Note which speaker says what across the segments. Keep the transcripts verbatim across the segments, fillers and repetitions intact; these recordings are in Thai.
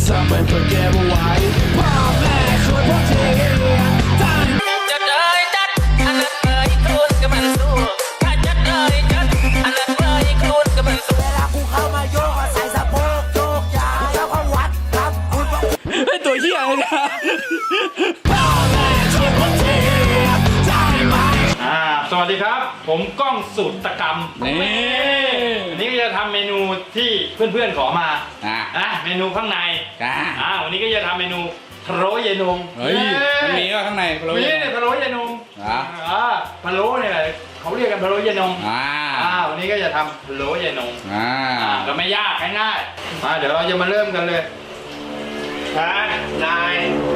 Speaker 1: ทำให้เพื่อเก็บไว้พ่อแม่ช่วยพ่อทีจัดเลยจัดอันนั้นเลยครูนกับมันสู้ถ้าจัดเลยจัดอันนั้นเลยครูนกับมันสู้เวลากูเข้ามาโยกใส่สะโพกโยกยาวแล้วก็วัดครับคุณไอ้ตัวเหี้ยเลยนะพ่อแม่ช่วยพ่อทีได้ไหม
Speaker 2: อ่าสวัสดีครับผมก้องสูตรตะกรรม
Speaker 3: นี่
Speaker 2: วันนี้ก็จะทำเมนูที่เพื่อนๆขอมา
Speaker 3: อ่ะ
Speaker 2: อ่ะเมนูข้างใน
Speaker 3: อ่ะ
Speaker 2: อ่าวันนี้ก็จะทำเมนูพะโล้เยนง
Speaker 3: เฮ้ยมันมีว่าข้างในพะโล้
Speaker 2: มี
Speaker 3: เย็น
Speaker 2: เนี่ยพะโล้เยนง
Speaker 3: อ่ะ
Speaker 2: อ่าพะโล้เนี่ยเขาเรียกกันพะโล้เยนง
Speaker 3: อ่า
Speaker 2: อ่าวันนี้ก็จะทำพะโล้เยนง
Speaker 3: อ่า
Speaker 2: อ่าก็ไม่ยากง่ายๆมาเดี๋ยวเราจะมาเริ่มกันเลยครับนาย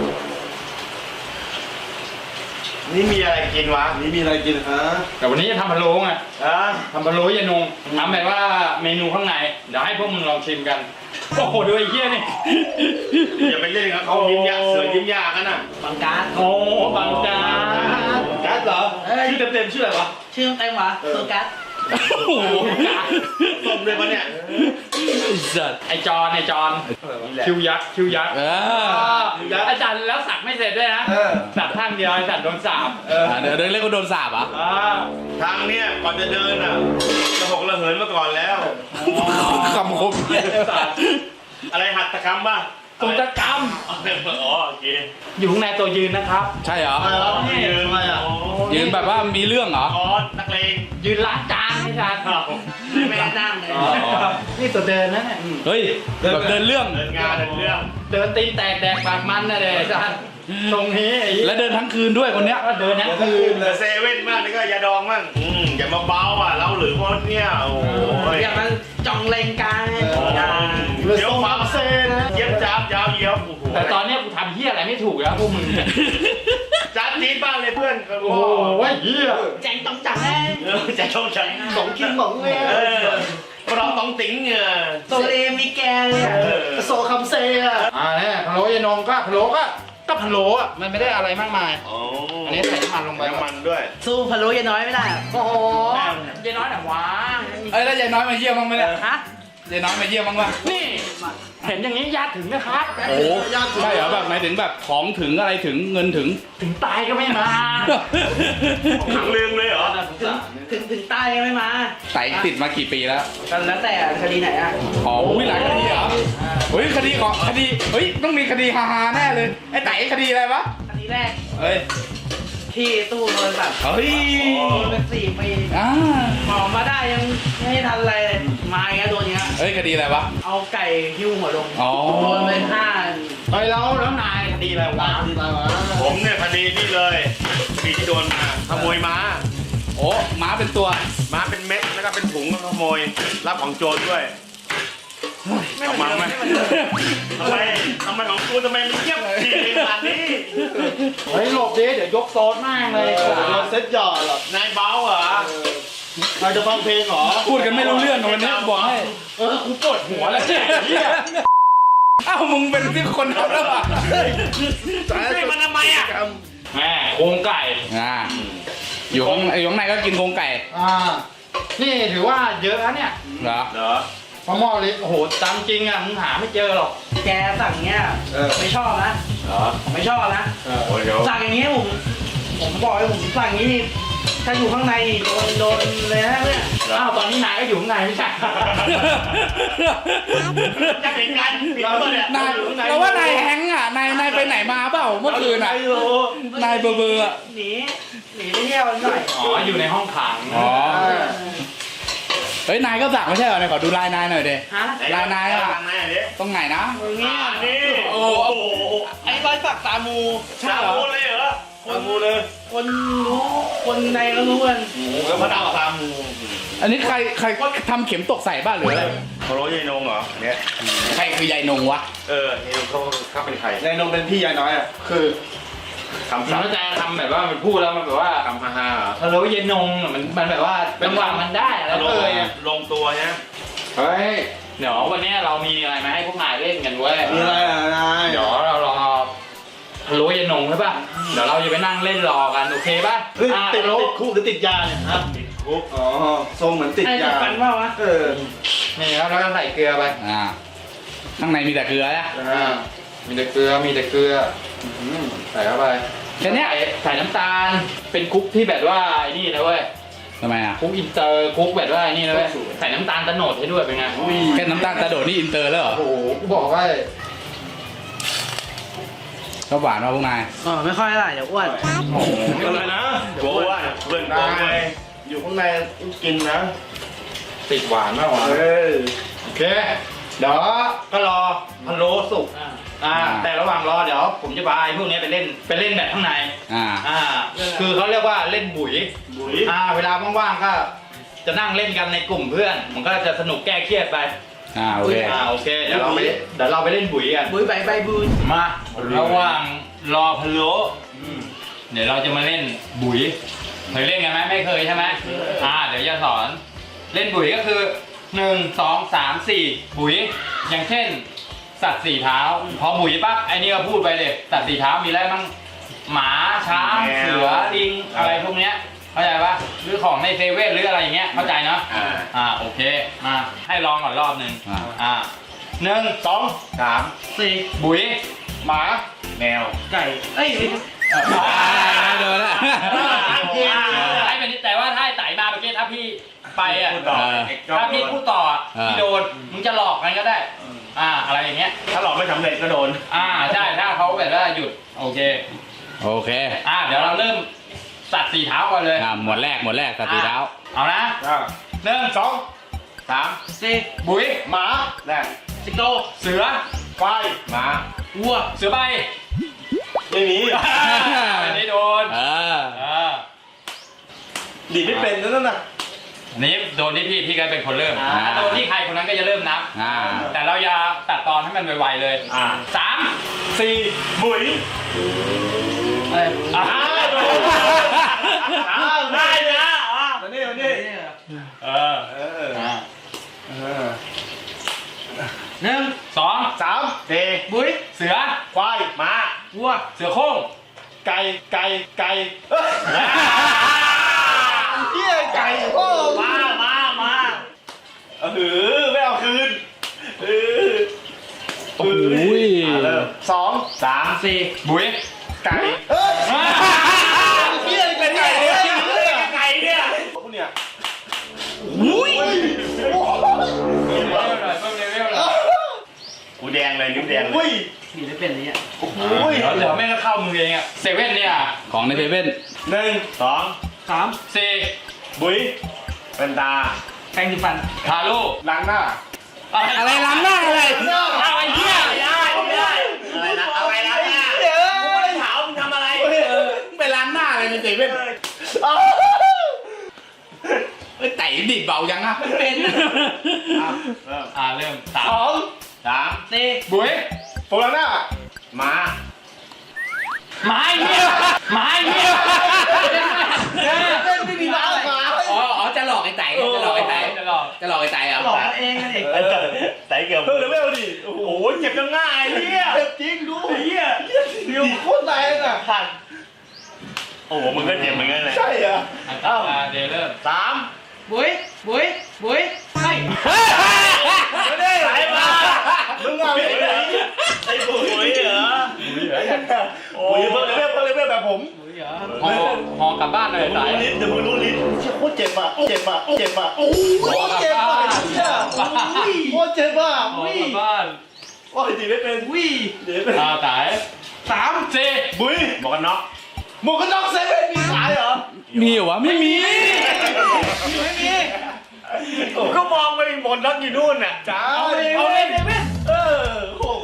Speaker 2: นี่มีอะไรกินวะ
Speaker 4: นี่มีอะไรกินฮะ
Speaker 2: แต่วันนี้จะทำพะโล้ไง
Speaker 4: อ่ะ
Speaker 2: ทำพะโล้เยนงทำแบบว่าเมนูข้างในเดี๋ยวให้พวกมึงลองชิมกันโอ้โหดูไอ้เหี้ยนี่
Speaker 4: อย่าไปเล่นกับเขายิ้มยากเสือยิ้มยากกันน่ะ
Speaker 5: บังการ์ด
Speaker 2: โอ้บังจา
Speaker 4: กัสเหรอชื่อเต็มๆชื่ออะไรวะ
Speaker 5: ชื่อเต็มวะโซการ์ด
Speaker 2: โอ้โห
Speaker 4: ส้มเลยปะเนี่ย
Speaker 3: สัตว์
Speaker 2: ไอจอนไอจอนคิวยักษ์คิวยักษ์
Speaker 3: เออ
Speaker 2: อาจารย์แล้วสักไม่เสร็จด้วยนะสักข้างเดียวไอสัตว์โดนสาบเออ
Speaker 3: เดี๋ยวเดินเล่นก็โดนสาบอ่ะ
Speaker 2: อ่า
Speaker 4: ทางเนี้ยก่อนจะเดินอ่ะระหกระเหินมาก่อนแล้ว
Speaker 3: คำคม
Speaker 2: สัตว์
Speaker 4: อะไรหัตถกรรมป่ะ
Speaker 2: ตุตกรรม
Speaker 4: อ๋อโอเค
Speaker 2: อยู่ข้างในตัวยืนนะครับ
Speaker 3: ใช่เหรอ
Speaker 4: นี่ยืนมาอ่ะ
Speaker 3: ยืนแบบว่ามีเรื่องเหรอ
Speaker 4: อ๋อนักเลง
Speaker 2: ยืนล้างจานไอสัตว์
Speaker 5: ไม่ได้นั่งเลย
Speaker 3: อ๋อ
Speaker 2: นี่ตัวเดินนะเนี่ย
Speaker 3: เฮ้ยแบบเดินเรื่อง
Speaker 4: เดินงานเดินเรื่อง
Speaker 2: เดินตีนแตกแดกปากมันนะเด็กสัตว์ตรงนี้ไอ้
Speaker 3: และเดินทั้งคืนด้วยคนเนี้ย
Speaker 2: ก็เดินนะคือ
Speaker 4: เหลือเซเว่นมากนี่ก็ยาดองมั่งอืมอย่ามาเบาอ่ะเราหรือพวกเนี่ยโอ้ย
Speaker 5: อย่ามาจ้องเลงกัน
Speaker 4: เดี๋ยวฟังเซนะเย็บจับยาวเยียวโอ้โห
Speaker 2: แต่ตอนเนี้ยกูทำเฮียอะไรไม่ถูกแล้วพวกมึงเนี่ย
Speaker 4: จัดจีดบ้างเลยเพื่อน
Speaker 2: โอ้โหเฮีย
Speaker 5: แจงต้องจังเลย
Speaker 4: เออจะชงฉันสองชิ้นสองเลยเออเราต้องติ๋งเงือ
Speaker 5: โซเลมีแกเลย
Speaker 4: โซคำเซอะ
Speaker 2: อ่าเนี่ยพะโล้ยานงก็พะโล้ก็ก็พะโล้อะมันไม่ได้อะไรมากมาย
Speaker 4: อ๋อ
Speaker 2: อันนี้ใส่น้ำมันลงไป
Speaker 4: น้ำมันด้วย
Speaker 5: สู้พะโล้ยายน้อยไม่ได้อะ
Speaker 2: โอ้โหยายน้อยแต่ว้า
Speaker 3: เอ้ยแล้วยายน้อยมาเยี่ยมบ้างไหมเนี่ย
Speaker 5: ฮะ
Speaker 3: ยายน้อยมาเยี่ยมบ้างวะ
Speaker 2: นี่เห็นอย่างนี้ญาติถึงนะครับ
Speaker 3: โอ้ใช่เหรอแบบหมายถึงแบบของถึงอะไรถึงเงินถึง
Speaker 2: ถึงตายก็ไม่มา
Speaker 4: ขังลืมเลยเหรอ
Speaker 5: ถึงถึงถึงใต้ยังไม่มา
Speaker 3: ไต่ติดมากี่ปีแล้ว
Speaker 5: กันแล้วแต่คดีไหนอ่ะ
Speaker 3: อ๋ออุ้ยหลายคดีเหรอเฮ้ยคดีของคดีเฮ้ยต้องมีคดีฮาๆแน่เลยไอ้ไต่คดีอะไรวะ
Speaker 5: คดีแรก
Speaker 3: เฮ้ย
Speaker 5: ที่ตู้โทรศัพท์
Speaker 3: เฮ้ย
Speaker 5: โดนเป็นสี่ปี
Speaker 3: อ่า
Speaker 5: ออกมาได้ยังไม่ทันอะไรเลยมาอีกแล้วตัวเนี้ย
Speaker 3: เฮ้ยคดีอะไรวะ
Speaker 5: เอาไก่หิ้วหัวลง
Speaker 3: อ๋อ
Speaker 5: โดนไปห้า
Speaker 2: เฮ้ยแล้วแล้วนายคดีอะไรวะ
Speaker 4: ผมเนี่ยคดีนี่เลยปีที่โดนมาขโมยม้า
Speaker 3: โอ้ม้าเป็นตัว
Speaker 4: ม้าเป็นเม็ดแล้วก็เป็นถุงก็ขโมยรับของโจรด้วย
Speaker 5: ไม่เหมือนเดิมไม่เหมือนเดิม
Speaker 4: ทำไมทำไมของกูทำไมมันเงียบดีขนาดนี้
Speaker 2: เฮ้ยหลบดิเดี๋ยวยกโซนมากเลย
Speaker 4: เราเซ็ตหยอดหรอนายเบาเหรอเราจะฟังเพลงเหรอ
Speaker 3: พูดกันไม่รู้เรื่องวันนี้บอกให้
Speaker 2: เออกูปวดหัวแล้วเนี่ยเฮีย
Speaker 3: อ้าวมึงเป็นที่คนทำแล้วอ่ะ
Speaker 4: ให้มันทำไมอ่ะ
Speaker 2: แม่โครงไก่
Speaker 3: อ่าอยู่ข้างอยู่ข้างในก็กินโครงไก่
Speaker 2: อ่านี่ถือว่าเยอะแล้วเนี่ย
Speaker 3: เหรอ
Speaker 4: เหรอ
Speaker 2: พอหม้อเล็กโอ้โหตามจริงอ่ะมึงหาไม่เจอหรอก
Speaker 5: แกสั่งเนี้ยไม่ชอบนะ
Speaker 4: เหรอ
Speaker 5: ผมไม่ชอบนะ
Speaker 4: โอ้ยเดี๋ยว
Speaker 5: สั่งอย่างนี้ผมผมบอกเลยผมสั่งอย่างนี้นี่ถ้าอยู่ข้างในนี่โดนโดนเลยนะเนี่ย
Speaker 2: อ้าวตอนนี้นายก็อยู่ข้างในไม่ใช่
Speaker 4: จะเป็นการปิดตัวเนี่ย
Speaker 3: นายเราว่านายแฮงก์อ่ะนายนายไปไหนมาเปล่าเมื่อคืนอ่ะนายเบอร์เบอร์อ่ะ
Speaker 5: หนีหนีไปเที่ยวหน่อย
Speaker 2: อ๋ออยู่ในห้องขัง
Speaker 3: อ๋อเฮ้ยนายก็สั่งไม่ใช่เหรอนายขอดูลายนายหน่อยเด้
Speaker 5: ฮะ
Speaker 3: ลายนายอ่ะ
Speaker 4: ลายนายดิ
Speaker 3: ตรงไหนนะ
Speaker 5: อย่างนี้
Speaker 4: อ่านี่
Speaker 3: โอ้
Speaker 4: โอ้
Speaker 3: โห
Speaker 4: โห
Speaker 5: ไอ้รอยสักตามู
Speaker 4: ชาบูเลยเหรอชาบูเลย
Speaker 5: คนรู้คนในก็รู้กัน
Speaker 4: แล้วพระดาวตาม
Speaker 3: อันนี้ใครใครทำเข็มตกใส่บ้านหรืออะไร
Speaker 4: เขาโรยยายนงเหรอเนี่ย
Speaker 3: ใครคือยายนงวะ
Speaker 4: เออยายนงเขาเขาเป็นใคร
Speaker 6: นายนงเป็นพี่ยายน้อยอ่ะ คือ
Speaker 4: คำ
Speaker 2: สา
Speaker 4: สั่ง
Speaker 2: วใจทำแบบว่ามันพูดแล้วมันแบบว่า
Speaker 4: คำฮ่าฮ่าเหรอ
Speaker 2: พะโล้เย็นนงอะมันมันแบบว่าจังหวะมันได้แล้ว
Speaker 4: ล
Speaker 2: ก็
Speaker 4: ง
Speaker 2: เลยอะ
Speaker 4: ลงตัวใช่ไหม
Speaker 2: เฮ้ยเดี๋ยววันนี้เรามีอะไรมาให้พวกนายเล่นกันเว้ย
Speaker 6: มีอะไรอ่ะนาย
Speaker 2: เดี๋ยวเรารอพะโล้เย็นนงใช่ป่ะเดี๋ยวเราจะไปนั่งเล่นรอกันโอเคป่ะ
Speaker 6: เฮ้ย
Speaker 2: อ่ะ
Speaker 6: ติด
Speaker 2: พะโล้
Speaker 6: ติดคุกหรือติดยาเนี่ยฮะ
Speaker 4: ติดคุก
Speaker 6: อ๋อ ทรงเหมือนติด
Speaker 5: ไอ้
Speaker 6: ยา
Speaker 5: กันเปล่าวะ
Speaker 6: เออ
Speaker 2: นี่ครับแล้วก็ใส่เกลือไป
Speaker 3: อ่าข้างในมีแต่เกลือนะ
Speaker 2: อ่ามีแต่เกลือมีแต่เกลืออืมใส่เข้าไป
Speaker 3: แค่เนี้ย
Speaker 2: ใส่ใส่น้ำตาลเป็นคุกที่แบบว่าไอ้นี่นะเว้ย
Speaker 3: ทำไมอ่ะ
Speaker 2: คุกอินเตอร์คุกแบบว่าไอ้นี่นะเว้ยใส่น้ำตาลตะโนดให้ด้วยเป็นไง
Speaker 3: แค่น้ำตาลกระโดดนี่อินเตอร์แล้วเหรอ
Speaker 2: โอ้โหกูบอกว่า
Speaker 3: ชอบหวานป่ะพวกนาย
Speaker 5: อ๋อไม่ค่อยอะไรเดี๋ยวอ้วน
Speaker 4: อะไรนะโว้ว่าเพื่อนนายอยู่ข้างในกินนะ
Speaker 2: ติดหวานมากหวาน
Speaker 4: เออ
Speaker 2: โอเคเดี๋ยวก็รอพะโล้สุกอ่าแต่ระหว่างรอเดี๋ยวผมจะพาไอ้พวกนี้ไปเล่นไปเล่นแบบข้างใน
Speaker 3: อ่า
Speaker 2: อ่าคือเขาเรียกว่าเล่นบุ๋ย
Speaker 4: บุ๋ย
Speaker 2: อ่าเวลาว่างๆก็จะนั่งเล่นกันในกลุ่มเพื่อน มันก็จะสนุกแก้เครียดไป
Speaker 3: อ่าโอเค
Speaker 2: อ่าโอเคเดี๋ยวเราไปเดี๋ยวเราไปเล่นบุ๋ยกัน
Speaker 5: บุ้ยใบใบบุ้ย
Speaker 2: มาระหว่างรอพะโล้เดี๋ยวเราจะมาเล่นบุ๋ยเคยเล่นกันไหมไม่เคยใช่ไหมอ่าเดี๋ยวจะสอนเล่นบุ๋ยก็คือหนึ่งสองสามสี่บุ๋ยอย่างเช่น สัตว์สี่เท้าพอบุ๋ยปั๊บไอ้นี่ก็พูดไปเลยสัตว์สี่เท้ามีอะไรบ้างหมาช้างเสือลิงอะไรพวกเนี้ยเข้าใจปะหรือของในเซเว่นหรืออะไรอย่างเงี้ยเข้าใจเนาะ
Speaker 4: อ่า
Speaker 2: อ่าโอเคมาให้ลองก่อนรอบหนึ่ง
Speaker 3: อ่า
Speaker 2: อ่าหนึ่ง
Speaker 4: สองสาม
Speaker 5: สี่
Speaker 2: บุ๋ย
Speaker 4: หมาแมว
Speaker 5: ไก่เอ้ย
Speaker 3: อ่าโดนละ
Speaker 2: ไอ้เป็นแต่ว่าถ้าไอ้ไต่มาเมื่อกี้ถ้าพี่ไปอ่ะ
Speaker 4: พูดต่อ
Speaker 3: เออ
Speaker 4: เอก
Speaker 2: ถ้าพี่พูดต่ออ่ะ
Speaker 3: เออ
Speaker 2: พี่โดนมึงจะหลอกกันก็ได้อ่าอะไรอย่างเงี้ย
Speaker 4: ถ้าหลอกไม่สำเร็จก็โดน
Speaker 2: อ่าใช่ถ้าเขาแบบว่าหยุดโอเค
Speaker 3: โอเค
Speaker 2: อ่าเดี๋ยวเราเริ่มสัตว์สี่เท้าก่อนเลย
Speaker 3: อ่าหมวดแรกหมวดแรกสัตว์สีเท้า
Speaker 2: เอานะ
Speaker 4: อ่า
Speaker 2: หนึ่ง
Speaker 4: สองสาม
Speaker 5: สี่
Speaker 2: บุ๋ย
Speaker 4: หมาแรก
Speaker 5: สิงโต
Speaker 2: เสือ
Speaker 4: ไฟหมา
Speaker 5: วัว
Speaker 2: เสือใบ
Speaker 4: ไม่มี
Speaker 2: อันนี้โดน
Speaker 3: เออ
Speaker 2: อ่า
Speaker 4: ดีดไม่เป็นนั่นน่ะ
Speaker 2: อันนี้โดนที่พี่พี่ก็เป็นคนเริ่ม
Speaker 3: อ่า
Speaker 2: ถ้าโดนที่ใครคนนั้นก็จะเริ่มนับ
Speaker 3: อ่า
Speaker 2: แต่เราอย่าตัดตอนให้มันไวๆเลย
Speaker 4: อ่า
Speaker 2: สาม
Speaker 4: สี่บุ๋ย
Speaker 2: อะไรอ่า
Speaker 4: โดนอ้าวได้เลยอ่ะมานี่มานี่
Speaker 2: เออ
Speaker 4: เออ
Speaker 2: อ่า
Speaker 4: เออ
Speaker 5: หนึ่ง
Speaker 2: สอง
Speaker 4: สามสี่
Speaker 5: บุ้ย
Speaker 2: เสือ
Speaker 4: ควายหมา
Speaker 5: วัว
Speaker 2: เสือโคร่ง
Speaker 4: ไก่ไก่ไก่เอ้ยเฮียไก่โอ้มามามาเออไม่เอาคืนเออ
Speaker 3: โอ้ย
Speaker 4: อ่ะเริ่มสองสาม
Speaker 5: สี่
Speaker 2: บุ๋ย
Speaker 4: ไก่เอ้ยเฮียเป็นไก่เนี่ยไก่เนี่ยพวกเนี่ย
Speaker 5: อุ้ย
Speaker 2: เลเวลหน่อยเพิ่มเลเวลหน่อย
Speaker 4: กูแดงเลยนิ้วแดงเลย
Speaker 5: สีได้เป็นนี้อ่ะ
Speaker 4: โอ้โห
Speaker 2: เดี๋ยวเดี๋ยวแม่งก็เข้ามือเองอ่ะเซเว่นเนี่ย
Speaker 3: ของในเซเว่น
Speaker 4: หนึ่งสอง
Speaker 5: สาม
Speaker 2: สี่
Speaker 4: บุ๋ยเป็นตา
Speaker 5: แปรงสีฟัน
Speaker 2: ทาลู
Speaker 4: ล้างหน้า
Speaker 3: อะไรล้างหน้าอะไร
Speaker 2: เอาไอ้เหี้ย
Speaker 4: ไม่ได้ไม่ได้อะไรนะอะไรนะกูไม่ได้ถามมึงทำอะไร
Speaker 3: ไปล้างหน้าอะไรในเซเว่นเอ้ยไต่ดิดเบายังอ่ะ
Speaker 5: เป็น
Speaker 4: เริ่ม
Speaker 2: อ่าเริ่มสาม
Speaker 4: สองสาม
Speaker 5: สี่
Speaker 2: บุ๋ย
Speaker 4: ผมล้างหน้ามา
Speaker 2: ไม้เหี้ยไม้เหี้ย
Speaker 5: ไม่มีบ้าอะไร
Speaker 3: อ๋ออ๋อจะหลอกไอ้ไต่จะหลอกไอ้ไต่
Speaker 2: จะหลอก
Speaker 3: จะหลอกไอ้ไต่เหร
Speaker 5: หล
Speaker 3: อ่ะ
Speaker 5: อกเองกันเอง
Speaker 4: ใส่เกี่ยวเพิ่มเลเวลดิโอ้โหเจ็บยังง่ายเฮียเจ็บจริงดูเฮียเดี๋ยวโคตรแรงอ่ะผ่านโอ้โหมึงก็เจ็บเหมือนกันเลยใช่เหรอ
Speaker 2: อ่าเดี๋ยวเริ่ม
Speaker 4: สาม
Speaker 5: บุ้ยบุ้ยบุ้ยให้
Speaker 4: ไม่ได้ไหลมามึงเอาไปไหนไอ้ปุ๋ยเหรอปุ๋ยเพิ่มเลเวลเพิ่มเลเวลแบบผม
Speaker 5: บุ้ยเหรอ
Speaker 2: หอหอกลับบ้านเลย
Speaker 4: มึง
Speaker 2: สาย
Speaker 4: รู้ลิ้นเดี๋ยวมึงรู้ลิ้นเชี่ยโคตรเจ็บอ่ะเจ็บอ่ะเจ็บอ่ะโอ้ยเจ็บอ่ะเชี่ยโคตรเจ็บอ่ะ
Speaker 2: หอกลับบ้าน
Speaker 4: โอ้ยดีไม่เป็น
Speaker 5: วิ
Speaker 4: เดี๋ยวเป็น
Speaker 2: อ่าสาย
Speaker 5: สาม
Speaker 2: สี่
Speaker 4: บุ้ยหมวกกันน็อกหมวกกันน็อกเซเว่นมีขายเหรอ
Speaker 3: มีเหรอวะไม่มี
Speaker 5: ไม่มี
Speaker 4: ผมก็มองไปหมดน็อกอยู่นู่นน่ะจ้า
Speaker 5: เอาเลยเอาเลยเดวิด
Speaker 4: เออโอ้โห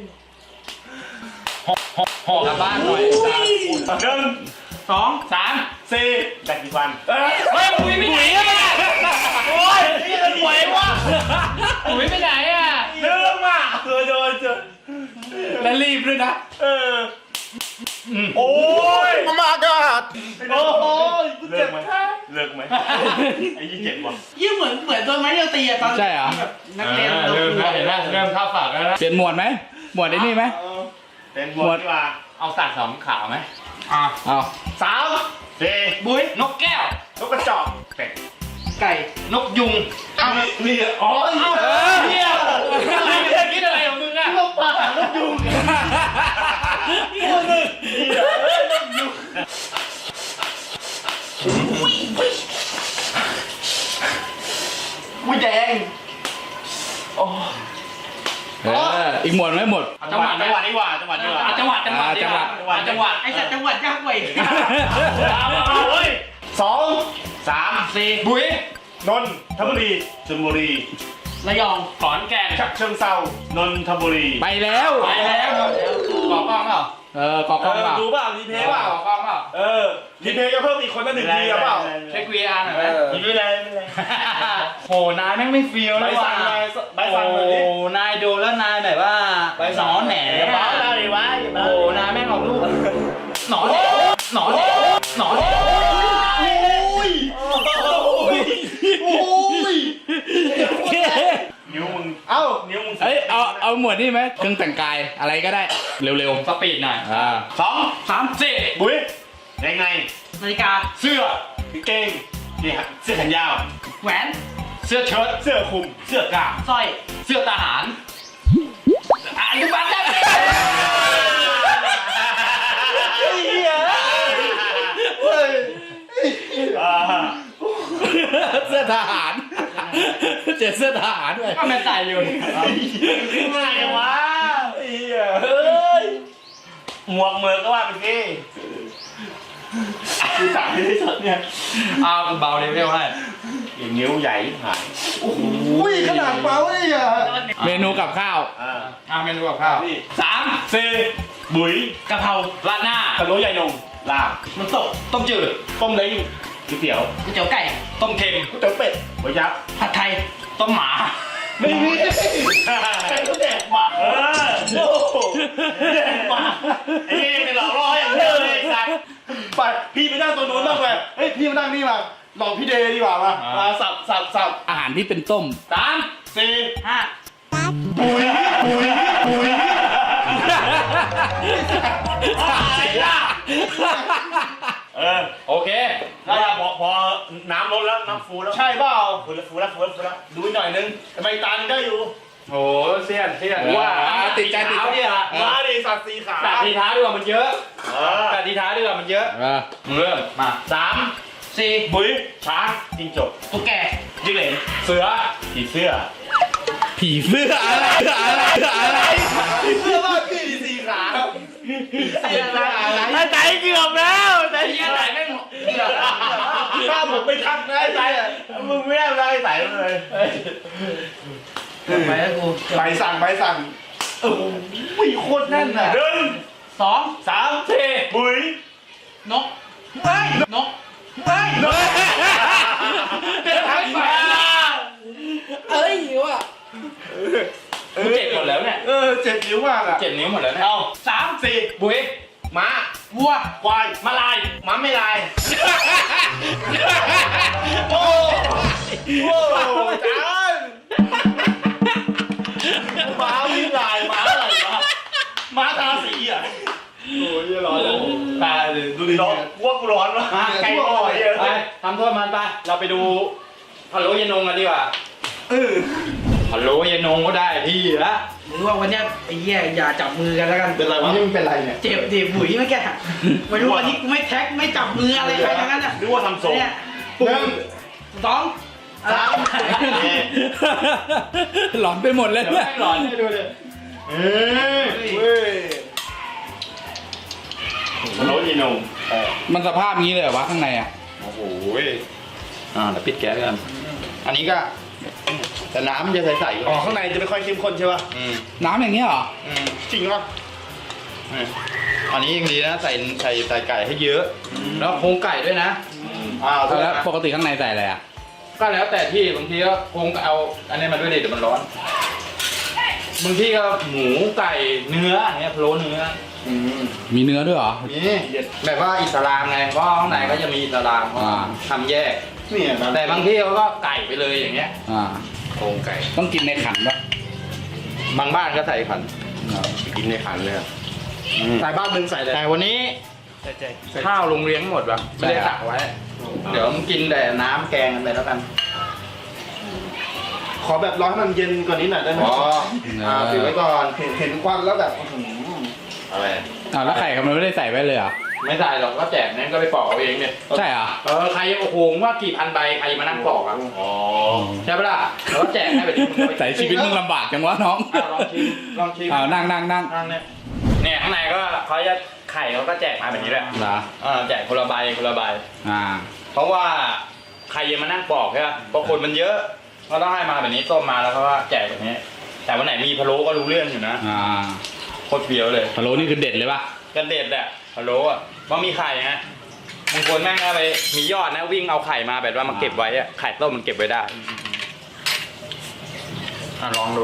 Speaker 2: หอกหอกหอกลับบ้านหน่อยสาม
Speaker 4: หนึ่ง
Speaker 5: สอง
Speaker 2: สาม
Speaker 4: สี่แบกกี่ฟันเออ
Speaker 2: เฮ้ยบุ๋ยไปไหนอ่ะ
Speaker 4: โอ้ยนี่มันไหววะ
Speaker 2: บุ๋ยไปไหนอ่ะ
Speaker 4: เริ่มอ่ะเจอเจอเจอ
Speaker 3: และรีบด้วยนะ
Speaker 4: เออโอ้ยมากาดโอ้ยเลิกไหมเลิกไหมไอ้ยี่เจ็บว่ะ
Speaker 5: ยิ่งเหมือนเหมือนโดนไม้เดียวตีอะตอน
Speaker 3: ใช่เหรอ
Speaker 5: แบบนักเรียน
Speaker 2: เริ่มแล้วเห็นไหมเริ่มเข้าฝากแล้วนะ
Speaker 3: เปลี่ยนหมวดไหมหมวดไอ้นี่ไหม
Speaker 4: เป็นบทดีกว่า
Speaker 2: เอาสัตว์สองขาวไหมอ่า
Speaker 3: เอา
Speaker 4: สามสี่
Speaker 5: บุ้ย
Speaker 2: นกแก้ว
Speaker 4: นกกระจอกเป็ด
Speaker 5: ไก่
Speaker 2: นกยุง
Speaker 4: นี่อ๋อ
Speaker 2: เอ้าเฮียเฮียคิดอะไรของ
Speaker 4: นกยุงนี่คนหนึ่งนกยุงอุ้ยแดงโอ้
Speaker 3: เอออีกหมวดไหมหมด
Speaker 4: จังหวัดจังหวัดดีกว่าจังหวัดดีกว่า
Speaker 2: จังหวัดจังหวัด
Speaker 3: อ่าจังหวัด
Speaker 2: อ่าจังหวัด
Speaker 5: ไอ้สัตว์จังหวัดยากกว่าอีก
Speaker 4: เอาเฮ้ยสองสาม
Speaker 5: สี่
Speaker 2: บุ๋ย
Speaker 4: นนทบุรีชลบุรี
Speaker 5: ระยอง
Speaker 2: ขอนแก่น
Speaker 4: ฉะเชิงเซานนทบุรี
Speaker 3: ไปแล้ว
Speaker 2: ไปแล้วกอกล้องเปล่า
Speaker 3: เออกอกล้องเปล่า
Speaker 6: ดูเปล่ารีเพย์เปล่าก
Speaker 2: อกล้องเปล่า
Speaker 6: เออรีเพย์ก็เพิ่มอีกคนละหนึ่งทีอะเปล่า
Speaker 2: เช็ค วี อาร์ หน่อยไหม
Speaker 4: ไม่เป็นไรไม่เป็นไร
Speaker 2: โหนายแม่งไม่ฟีล
Speaker 6: ใบ
Speaker 2: เลย
Speaker 6: สั่
Speaker 2: ว่ะ
Speaker 6: งหน่อยใบสั่งหน่อยดิ
Speaker 2: โอ้นายดูแล้วนายแบบว่าหนอนแหน
Speaker 4: อย่าบ้าเลยดิวะอย่าบ้า
Speaker 2: โอ้นายแม่งออกลูกหนอนแหนหนอนแหนหนอนแหน
Speaker 4: นิ้วมึง
Speaker 6: เอ้า
Speaker 4: นิ้วมึง
Speaker 3: เอ้ยเอาเอาหมวดนี่ไหมเครื่องแต่งกายอะไรก็ได้เร็ว
Speaker 2: สปีดหน่อย
Speaker 3: ๆอ่า
Speaker 4: สอง
Speaker 2: สามสี่
Speaker 4: บุ้ยแดงใน
Speaker 5: นาฬิกา
Speaker 4: เสื้อกางเกงนี่ฮะเสื้อแขนยาว
Speaker 5: แหวน
Speaker 2: เสื้อเชิ้ต
Speaker 4: เสื้อคลุมเสื้อกล้าม
Speaker 5: สร้อย
Speaker 2: เสื้อทหารอนุบาลได้
Speaker 4: อ่า
Speaker 3: เสื้อทหารเจอเสื้อทหารด้วย
Speaker 2: ก็แม่ใส่อยู่
Speaker 4: ง่ายจังวะเฮ้ยหมวกเมือกก็ว่าไปสิคือสั่งให้ได้สดเนี่ย
Speaker 2: เอาเบาเลเวลให้
Speaker 4: อย่างนิ้วใหญ่หาย
Speaker 6: อุ้ยขนาดเปล่าเลยอ่ะ
Speaker 3: เมนูกับข้าว
Speaker 4: อ่า
Speaker 2: เอาเมนูกับข้าว
Speaker 4: นี่
Speaker 2: สาม
Speaker 4: สี่บุ๋ย
Speaker 5: กะเพรา
Speaker 2: ราดหน้า
Speaker 4: พะโล้ใหญ่นงลาบ
Speaker 5: น้ำตก
Speaker 2: ต้มจืด
Speaker 4: ต้มเล้งก๋วยเตี๋ยว
Speaker 5: ก๋วยเตี๋ยวไก่
Speaker 2: ต้มเค็ม
Speaker 4: ก๋วยเตี๋ยวเป็ดก๋วยยับ
Speaker 5: ผัดไทย
Speaker 2: ต้มหมา
Speaker 4: ไม่มีใครก็แดกหมาเออโอ้โหแดกหมาไอ้นี่เป็นหลอกล่ออย่างเดียวเลยไอ้สัตว์
Speaker 6: ไปพี่ไปนั่งตรงนู้นบ้างเลยเฮ้ยพี่มานั่งนี่มาลองพี่เดย์ดีกว่ามามาสับสับสับ
Speaker 3: อาหารที่เป็นต้ม
Speaker 2: สาม
Speaker 4: สี่
Speaker 5: ห้า
Speaker 6: ปุ๋ยปุ๋ยปุ๋ย
Speaker 4: เออ
Speaker 2: โอเค
Speaker 4: ได้พอพอน้ำลดแล้วน้ำฟูแล้ว
Speaker 6: ใช่เปล่า
Speaker 4: ฟูแล้วฟูแล้วฟูแล้วฟูแล้ว
Speaker 6: ดูหน่อยนึงทำไมตาได้อยู่
Speaker 2: โหเสียนเสียน
Speaker 3: ว่าติดใจติดใจ
Speaker 2: เท้าเนี่ย
Speaker 6: มาดิสัตว์สีขา
Speaker 2: แต่ทีเท้าดีกว่ามันเยอะ
Speaker 4: เออ
Speaker 2: แต่ทีเท้าดีกว่ามันเยอะ
Speaker 3: เออ
Speaker 2: เริ่มมา
Speaker 4: สาม
Speaker 5: สี่
Speaker 4: บุ๋ยช้างจิงจก
Speaker 5: ตุ๊กแก
Speaker 4: จิ้งเหลน
Speaker 2: เสือ
Speaker 4: ผีเสื้อ
Speaker 3: ผีเสื้ออะไรอะไรอะไร
Speaker 6: เสื้อบ้านพี่สีขา
Speaker 5: เสื้ออะไร
Speaker 4: ไอ้ใจเกือบแล้วใจ
Speaker 2: ไอ้เหี้ยไหนแม่ง
Speaker 6: ถ้าผมไปทักนะไอ้ใจอะ
Speaker 4: มึงไม่ได้อะไรใส่เลย
Speaker 5: ไปแล้วกู
Speaker 6: ใบสั่งใบสั่งเออวิ่งโคตรแน่นอ่ะ
Speaker 4: หนึ่ง
Speaker 5: สอง
Speaker 4: สามสี่บุ๋ย
Speaker 5: นกเฮ้ยนกเฮ้ย
Speaker 2: เดินทางไป
Speaker 5: เอ้ยว่ะ
Speaker 2: กูเจ็บหมดแล้วเนี่ย
Speaker 6: เออเจ็บนิ้วมากอ่ะ
Speaker 2: เจ็บนิ้วหมดแล้วเนี่ย
Speaker 4: เอาสามสี่
Speaker 2: บุ้ย
Speaker 4: ม้า
Speaker 5: วัว
Speaker 4: ควาย
Speaker 2: มาลาย
Speaker 4: ม้าไม่ลาย
Speaker 6: โอ้โหจาน
Speaker 4: ม้าไม่ลายม้าอะไรวะม้าทาสีอ่ะ
Speaker 6: โอ้ยร้อนเลย
Speaker 2: ตายเลย
Speaker 4: ดูดิร้อนกลัวกูร้อนวะ
Speaker 2: มา
Speaker 4: ใครร้อนเยอะ
Speaker 2: ไปทำโทษมันไป เราไปดูพะโล้เยนงกันดีกว่า
Speaker 6: เออ
Speaker 2: พะโล้เยนงก็ได้ที่ละ
Speaker 5: หรือว่าวันเนี้ยไอ้เหี้ยอย่าจับมือกันแล้วกัน
Speaker 6: เป็นไรวะนี่มันเป็นไรเนี่ย
Speaker 5: เจ็บดิบุ๋ยเมื่อกี้ไม่รู้วันนี้กูไม่แท็กไม่จับมืออะไรใครทั้งนั้นอ่ะ
Speaker 4: นึกว่าทำทรง
Speaker 5: เนี่ย
Speaker 6: หนึ่ง
Speaker 5: สอง
Speaker 4: สาม
Speaker 3: หลอนไปหมดเลย
Speaker 2: เดี๋ยว
Speaker 3: เนี่ย
Speaker 2: ให้หลอนให้ดูเลย
Speaker 4: เอ้ย
Speaker 6: เว้ย
Speaker 4: พะโล้ยีนง
Speaker 3: มันสภาพงี้เลยเหรอวะข้างในอ่ะ
Speaker 2: โอ้โหอ่าเดี๋ยวปิดแก๊สกัน อันนี้ก็แต่น้ำมันจะใสๆอยู่
Speaker 6: อ๋อข้างในจะไม่ค่อยเข้มข้นใช่ป่ะ
Speaker 2: อืม
Speaker 3: น้ำอย่างเงี้ยเหรอ
Speaker 2: อืม
Speaker 6: จริงป่ะ
Speaker 2: อืมอันนี้ยังดีนะ ใส่ใส่ใส่ไก่ให้เยอะ แล้วโครงไก่ด้วยนะอ่าเอา
Speaker 3: แล้ว
Speaker 2: นะ
Speaker 3: ปกติข้างในใส่อะไรอ่ะ
Speaker 2: ก็แล้วแต่ที่บางทีก็คงเอาอันนี้มาด้วยดิเดี๋ยวมันร้อนบางทีก็หมูไก่เนื้ออย่างเงี้ยพะโล้เนื้อ
Speaker 6: อืม
Speaker 3: มีเนื้อด้วยเหรอ
Speaker 2: นี่แบบว่าอิสลามไงเพราะข้างในก็จะมีอิสลามเขา
Speaker 3: อ่า
Speaker 2: ทำแยก
Speaker 6: เนี่ยนะ
Speaker 2: แต่บางที่เขาก็ไก่ไปเลยอย่างเงี้ย
Speaker 3: อ่า
Speaker 2: โครงไก่
Speaker 3: ต้องกินในขันปะ
Speaker 2: บางบ้านก็ใส่ขัน
Speaker 4: กินในขันเลย
Speaker 6: สายบ้านมึงใส่เลย
Speaker 2: แต่วันนี้
Speaker 6: ใส่ใจ
Speaker 2: ข้าวโรงเรียนหมดปะไม่ได้ตักไว้ เดี๋ยวมึงกินแต่น้ำแกงกันไปแล้วกัน
Speaker 6: คขอแบบร้อนให้มันเย็นกว่านี้หน่อยได้ไหม
Speaker 3: อ๋อ
Speaker 6: อ่าปิดไว้ก่อนเห็นเห็นควันแล้วแบบอื้อหืออะไร
Speaker 3: อ้าวแล้วไข่มันไม่ได้ใส่ไว้เลยเหรอ
Speaker 2: ไม่ใส่หรอกก็แจกนั่นก็ไปปอกเอาเองเนี่ย
Speaker 3: ใช่เหรอ
Speaker 2: เออใครโอ้โหว่ากี่พันใบใครมานั่งปอกอ่ะ
Speaker 6: อ๋อ
Speaker 2: ใช่ปะล่ะแล้วก็แจกให้แบบนี้มึงก็ไป
Speaker 3: ใส่ชีวิตมึงลำบากจังวะน้อง
Speaker 2: อ่ะลองชิมลองชิม
Speaker 3: อ้าวนั่งนั่งนั่ง
Speaker 2: ข้างเนี่ยเนี่ยข้างในก็เขาจะไข่เขาก็แจกมาแบบนี้แหละ
Speaker 3: เหรอ
Speaker 2: อ่าแจกคนละใบคนละใบ
Speaker 3: อ่า
Speaker 2: เพราะว่าใครยังมานั่งปอกใช่ไหมเพราะคนมันเยอะก็ต้องให้มาแบบนี้ต้มมาแล้วเขาก็แจกแบบนี้ แต่วันไหนมีพะโล้ก็รู้เรื่องอยู่นะ
Speaker 3: อ่า
Speaker 2: โคตรเฟี้ยวเลย
Speaker 3: พะโล้นี่คือเด็ดเลยป่ะ
Speaker 2: กันเด็ดแหละพะโล้อะเพราะมีไข่ไงบางคนแม่งเอาไปมียอดนะวิ่งเอาไข่มาแบบว่ามาเก็บไว้อะไข่ต้มมันเก็บไว้ได้อ่ะลองดู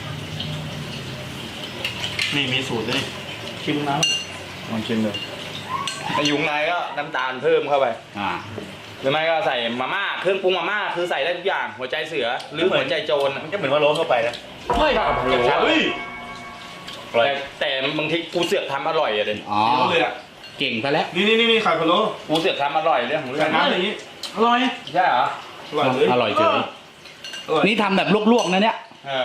Speaker 4: นี่มีสูตรด้วย
Speaker 5: ชิมน้
Speaker 2: ลองชิมดูไอายุงในก็น้ำตาลเพิ่มเข้าไป
Speaker 3: อ่า
Speaker 2: หรือไม่ก็ใส่มาม่าเครื่องปรุงมาม่าคือใส่ได้ทุกอย่างหัวใจเสือหรือหัวใจโจร
Speaker 4: มันก็เหมือนว่าโรสเข้าไปนะ
Speaker 2: เฮ้ยครับ
Speaker 4: เฮ้ย
Speaker 2: แต่แต่บางทีกูเสือกทำอร่อยอะเด็
Speaker 3: อ๋อ
Speaker 6: เลยอ่ะ
Speaker 3: เก่งซะแล้ว
Speaker 6: นี่นี่นี่ไข่พะโล้
Speaker 2: กูเสือกทำอร่อยเรื่องของเรื่
Speaker 6: ใส่
Speaker 2: อง
Speaker 6: น้ำอย่างนี้
Speaker 5: ำอร่อย
Speaker 2: ใช่เหรอ
Speaker 6: อร่อยเลย
Speaker 3: อร่อยเฉยนี่ทำแบบลวกๆนะเนี่ย
Speaker 2: เออ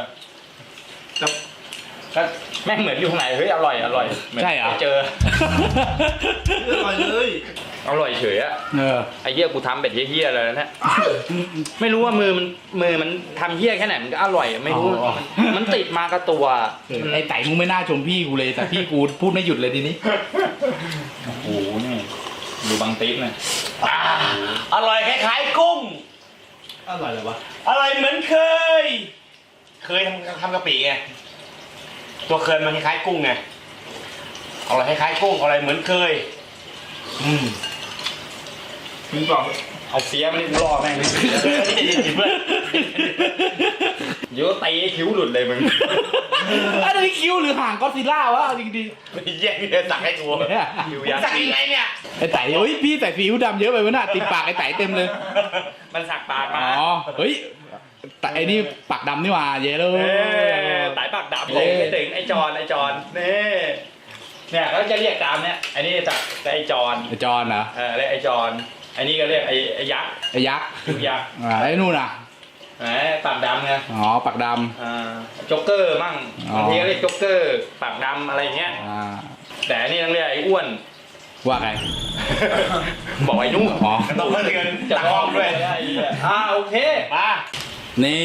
Speaker 2: ก็แม่งเหมือนอยู่ข้างในเฮ้ยอร่อยอร่อยมืน
Speaker 3: ใช่เหรอ
Speaker 2: เจอ
Speaker 6: อร่อยเลย
Speaker 2: อร่อยเฉยอะ
Speaker 3: เออ
Speaker 2: ไอ้เหี้ยกูทำแบบเหี้ยๆเลยนะเนี่ยไม่รู้ว่ามือมันมือมันทำเหี้ยแค่ไหนมันก็อร่อยไม่รู้
Speaker 3: อ๋อ
Speaker 2: มันมันติดมากับตัว
Speaker 3: ไอ้ไต่มึงไม่น่าชมพี่กูเลย แต่พี่กูพูดไม่หยุดเลยทีนี้
Speaker 2: โอ้โหนี่ดูบางติ๊กหน่อย
Speaker 4: อ่าอร่อยคล้ายๆกุ้ง
Speaker 6: อร่อยเลยวะ
Speaker 4: อร่อยเหมือนเคย เคยทำทำกะปิไง ตัวเคยมันคล้ายๆกุ้งไงอร่อยคล้ายๆกุ้งอร่อยเหมือนเคย อืม
Speaker 6: มึงบอก
Speaker 2: เอาเสียมันนี่กูรอแม่งเลย
Speaker 4: เพื่อน
Speaker 2: เดี๋ยวตีคิ้วหลุดเลยมึง
Speaker 3: อันนี้คิ้วหรือห่างก็อดซิลล่าวะจริง
Speaker 4: แย่งเนี่ยสั่งให้กู
Speaker 3: ๆ
Speaker 2: อยู่ยัก
Speaker 4: สั่งยังไงเนี่ย
Speaker 3: ไอ้ไต่เฮ้ยพี่ใส่ซีอิ๊วดำเยอะไปวะน่ะติดปากไอ้ไต่เต็มเลย
Speaker 2: มันสักปาก
Speaker 3: อ๋
Speaker 2: มา
Speaker 3: อ เฮ้ยแต่ไอ้นี่ปากดำนี่หว่าเยอะเล
Speaker 2: เอย อสายปากดำเลยไม่ถึงไอ้จอนไอ้จอนนี่เนี่ยเขาจะเรียกตามเนี่ยไอ้นี่จากไอ้จอน
Speaker 3: ไอ้จอนเหรอ
Speaker 2: เออเรียกไอ้จอนไอ้นี่ก็เรียกไอ้ไอ้ยักษ์
Speaker 3: ไอ้ยักษ์
Speaker 2: คิ้วยักษ์
Speaker 3: อ่าไอ้นู่นน่ะ
Speaker 2: แหมปากดำไง
Speaker 3: อ๋อปากด
Speaker 2: อ่าโจ๊กเกอร์มั่ง
Speaker 3: อ๋อ
Speaker 2: บางทีก็เรียกโจ๊กเกอร์ปากดำอะไรเงี้ย
Speaker 3: ำอ่า
Speaker 2: แต่อันนี่ต้องเรียกไอ้อ้วน
Speaker 3: ว่าไง
Speaker 2: บอกไอ้นุ่ม
Speaker 3: อ๋อ
Speaker 4: ต้องเงิน
Speaker 2: จะ
Speaker 4: ตัก
Speaker 2: ล
Speaker 4: ห้
Speaker 2: อ
Speaker 4: อง ง
Speaker 2: ด้
Speaker 4: ด้
Speaker 2: ว
Speaker 4: วย ย
Speaker 2: อ่าโอเค
Speaker 4: มา
Speaker 3: นี่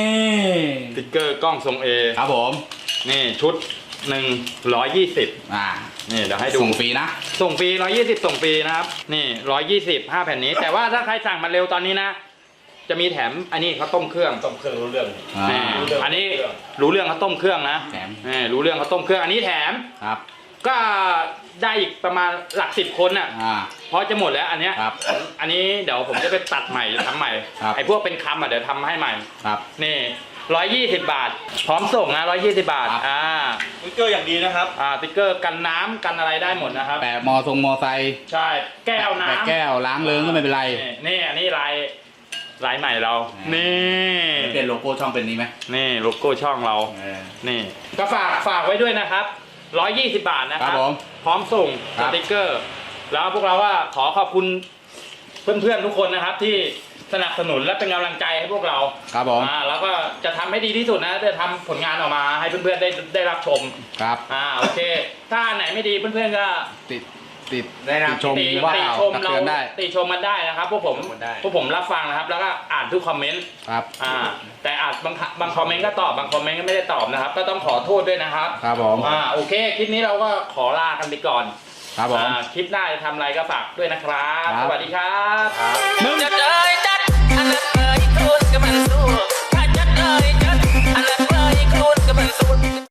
Speaker 2: สติ๊กเกอร์กล้องทรงเอ
Speaker 3: ครับผม
Speaker 2: นี่ชุดหนึ่งร้อยยี่สิบ
Speaker 3: อ่า
Speaker 2: นี่เดี๋ยวให้ดู
Speaker 3: ส่งฟรีนะ
Speaker 2: ส่งฟรีร้อยยี่สิบส่งฟรีนะครับ นี่ร้อยยี่สิบห้าแผ่นนี้ แต่ว่าถ้าใครสั่งมาเร็วตอนนี้นะ จะมีแถมอันนี้เขาต้มเครื่อง
Speaker 4: ต้มเครื่องรู้เรื่อง
Speaker 3: อ่า
Speaker 2: นี่อันนี้รู้เรื่องเขาต้มเครื่องนะ
Speaker 3: แถม
Speaker 2: นี่รู้เรื่องเขาต้มเครื่อง อันนี้แถม
Speaker 3: ครับ
Speaker 2: ก็ได้อีกประมาณหลักสิบคนอ่ะ
Speaker 3: อ่า
Speaker 2: เพราะจะหมดแล้วอันเนี้ย
Speaker 3: ครับ
Speaker 2: อันนี้เดี๋ยวผมจะไปตัดใหม่ทำใหม่
Speaker 3: ครับ
Speaker 2: ไอ้พวกเป็นคำอ่ะเดี๋ยวทำให้ใหม่
Speaker 3: ครับ
Speaker 2: นี่ร้อยยี่สิบบาท พร้อมส่งนะร้อยยี่สิบบาท
Speaker 3: ครับ
Speaker 2: อ่า
Speaker 4: สติ๊กเกอร์อย่างดีนะครับ
Speaker 2: อ่าสติ๊กเกอร์กันน้ำกันอะไรได้หมดนะครับ
Speaker 3: แปะมอทรงมอไซค์
Speaker 2: ใช่ แก้วน้ำ
Speaker 3: แปะแก้วล้างเลิงก็ไม่เป็นไร
Speaker 2: นี่นี่อันนี้ลายลายใหม่เรา นี่
Speaker 3: เป็นโลโก้ช่องเป็นนี้ไหม
Speaker 2: นี่โลโก้ช่องเรา
Speaker 3: เออ
Speaker 2: นี่ก็ฝากฝากไว้ด้วยนะครับร้อยยี่สิบบาทนะค
Speaker 3: ครั
Speaker 2: รับบ
Speaker 3: ผม
Speaker 2: พร้อมส่ง
Speaker 3: ครั
Speaker 2: ส
Speaker 3: บ
Speaker 2: ติ๊กเกอร์ แล้วพวกเราว่าขอขอบคุณเพื่อนๆทุกคนนะครับ ที่สนับสนุนและเป็นกำลังใจให้พวกเรา
Speaker 3: ครับผม
Speaker 2: อ่าแล้วก็จะทำให้ดีที่สุดนะจะทำผลงานออกมาให้เพื่อนๆได้ได้รับชม
Speaker 3: ครับ
Speaker 2: อ่าโอเค ถ้าอันไหนไม่ดีเพื่อนๆก็
Speaker 3: ติดติด
Speaker 4: ได้นะ
Speaker 3: ติดชม
Speaker 2: ติ
Speaker 3: ว่า
Speaker 2: ติ
Speaker 3: เอา
Speaker 2: ชม
Speaker 3: ตัก
Speaker 2: เรา
Speaker 3: เตือนได้
Speaker 2: ติชมมันได้นะครับพวกผม
Speaker 4: มันได้
Speaker 2: พวกผมรับฟังนะครับ แล้วก็อ่านทุกคอมเมนต์
Speaker 3: ครับ
Speaker 2: อ่าแต่อาจบางบางคอมเมนต์ก็ตอบบางคอมเมนต์ก็ไม่ได้ตอบนะครับ ก็ต้องขอโทษด้วยนะครับ
Speaker 3: ครับผม
Speaker 2: อ่าโอเคคลิปนี้เราก็ขอลากันไปก่อน
Speaker 3: ครับผม
Speaker 2: อ่าคลิปหน้าจะทำอะไรก็ฝากด้วยนะครับ
Speaker 3: ครับ
Speaker 2: สวัสดีครับ
Speaker 3: หนึ่ง
Speaker 1: จะเดิ